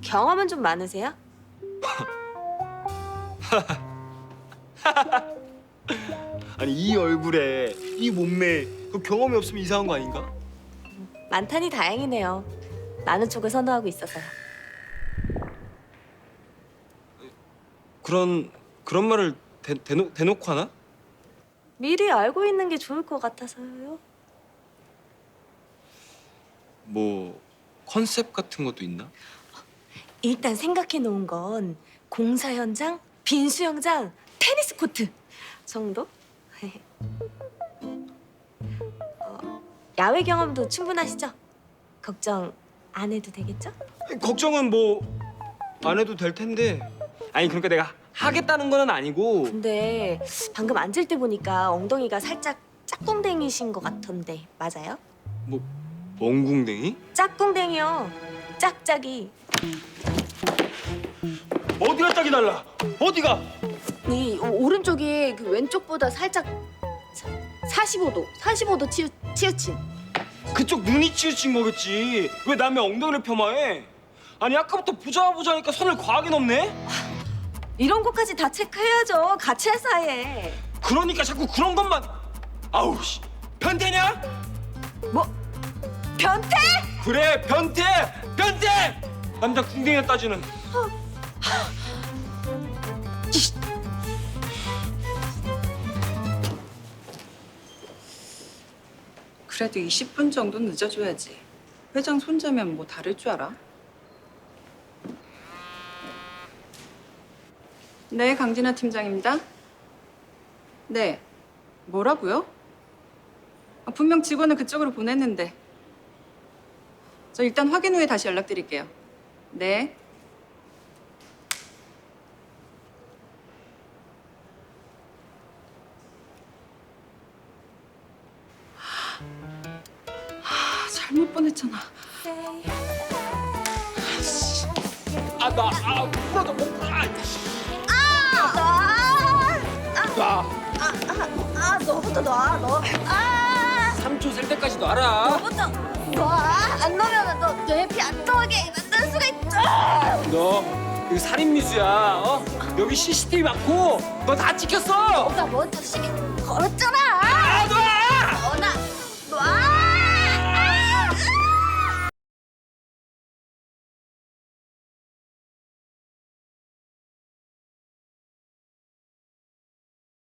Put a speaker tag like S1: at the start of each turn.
S1: 경험은 좀 많으세요?
S2: 아니 이 얼굴에 이 몸매에 그 경험이 없으면 이상한 거 아닌가?
S1: 많다니 다행이네요. 많은 쪽을 선호하고 있어서요.
S2: 그런 말을 대놓고 하나?
S1: 미리 알고 있는 게 좋을 것 같아서요.
S2: 뭐 컨셉 같은 것도 있나?
S1: 일단 생각해 놓은 건 공사 현장, 빈 수영장, 테니스 코트 정도? 야외 경험도 충분하시죠? 걱정 안 해도 되겠죠?
S2: 걱정은 뭐 안 해도 될 텐데. 아니 그러니까 내가 하겠다는 건 아니고.
S1: 근데 방금 앉을 때 보니까 엉덩이가 살짝 짝꿍댕이신 것 같던데 맞아요?
S2: 뭐 멍궁댕이?
S1: 짝꿍댕이요. 짝짝이.
S2: 어디가 짝이 달라? 어디가?
S1: 이 오른쪽이 그 왼쪽보다 살짝 45도 치우친.
S2: 그쪽 눈이 치우친 거겠지. 왜 남의 엉덩이를 폄하해? 아니 아까부터 보자니까 선을 과하게 넘네?
S1: 이런 것까지 다 체크해야죠. 같이 할 사이에.
S2: 그러니까 자꾸 그런 것만. 아우 씨. 변태냐?
S1: 뭐? 변태?
S2: 그래 변태! 변태! 남자 궁뎅이에 따지는.
S3: 그래도 20분 정도는 늦어줘야지. 회장 손자면 뭐 다를 줄 알아? 네, 강진아 팀장입니다. 네, 뭐라고요? 분명 직원을 그쪽으로 보냈는데. 저 일단 확인 후에 다시 연락드릴게요. 네. 잘못 보냈잖아.
S2: 부러져 못
S1: 너부터 놔. 너.
S2: 3초 셀 때까지 놔라.
S1: 너부터 놔. 안 넣으면 너 해피 안 통하게 만들 수가 있죠.
S2: 너 이거 살인 미수야. 어? 여기 CCTV 많고 너 다 찍혔어.
S1: 나 먼저 시비 걸었잖아.